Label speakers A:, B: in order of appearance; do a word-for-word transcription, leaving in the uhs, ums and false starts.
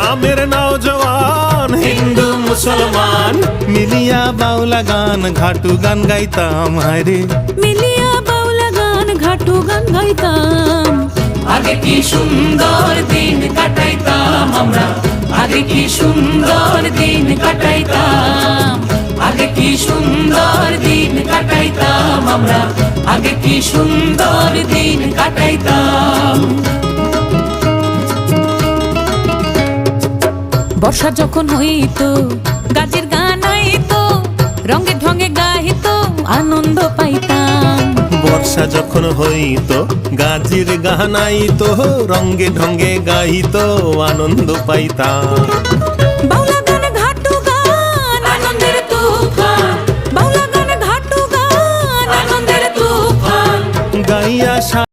A: গ্রামের নওজওয়ান হিন্দু মুসলমান মিলিয়া বাউলা গান ঘাটু গান গাইতাম হায়রে
B: মিলিয়া বাউলা গান ঘাটু গান গাইতাম।
C: আগে কি সুন্দর দিন কাটাইতাম আমরা, আগে কি সুন্দর দিন কাটাইতাম, আগে কি সুন্দর দিন কাটাইতাম আমরা, আগে কি সুন্দর দিন কাটাইতাম।
B: বর্ষা যখন হইতো গাজের গান আইতো, রঙে ঢঙে গাইতো আনন্দ পাইতাম।
A: বর্ষা যখন হইতো গাজির গান আইতো, রঙ্গে ঢঙ্গে গাইতো আনন্দ পাইতাম।